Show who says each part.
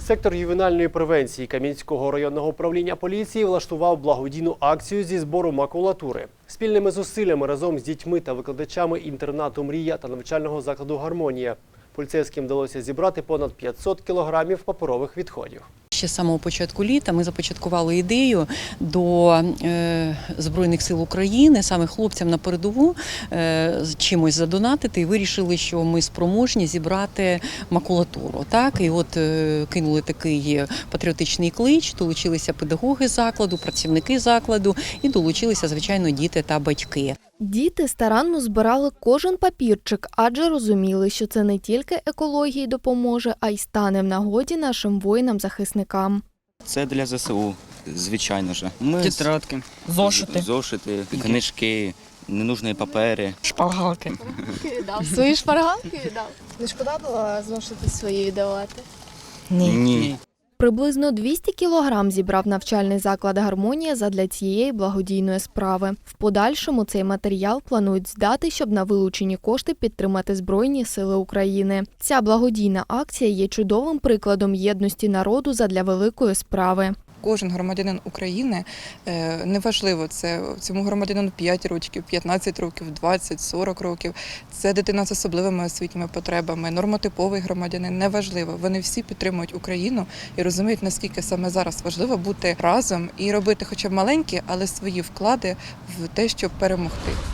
Speaker 1: Сектор ювенальної превенції Кам'янського районного управління поліції влаштував благодійну акцію зі збору макулатури. Спільними зусиллями разом з дітьми та викладачами інтернату «Мрія» та навчального закладу «Гармонія» поліцейським вдалося зібрати понад 500 кілограмів паперових відходів.
Speaker 2: Ще з самого початку літа ми започаткували ідею до Збройних сил України, саме хлопцям на передову, чимось задонатити, і вирішили, що ми спроможні зібрати макулатуру. Так? І от кинули такий патріотичний клич, долучилися педагоги закладу, працівники закладу і долучилися, звичайно, діти та батьки.
Speaker 3: Діти старанно збирали кожен папірчик, адже розуміли, що це не тільки екології допоможе, а й стане в нагоді нашим воїнам-захисникам.
Speaker 4: Це для ЗСУ, звичайно ж.
Speaker 5: Тетрадки,
Speaker 4: Зошити, книжки, ненужні папери.
Speaker 5: шпаргалки.
Speaker 6: Свої шпаргалки віддав? Не шкода було зошити свої віддавати?
Speaker 4: Ні.
Speaker 3: Приблизно 200 кілограм зібрав навчальний заклад «Гармонія» задля цієї благодійної справи. В подальшому цей матеріал планують здати, щоб на вилучені кошти підтримати Збройні сили України. Ця благодійна акція є чудовим прикладом єдності народу задля великої справи.
Speaker 7: Кожен громадянин України, неважливо, це цьому громадянину 5 років, 15 років, 20, 40 років, це дитина з особливими освітніми потребами, нормотиповий громадянин, неважливо. Вони всі підтримують Україну і розуміють, наскільки саме зараз важливо бути разом і робити хоча б маленькі, але свої вклади в те, щоб перемогти.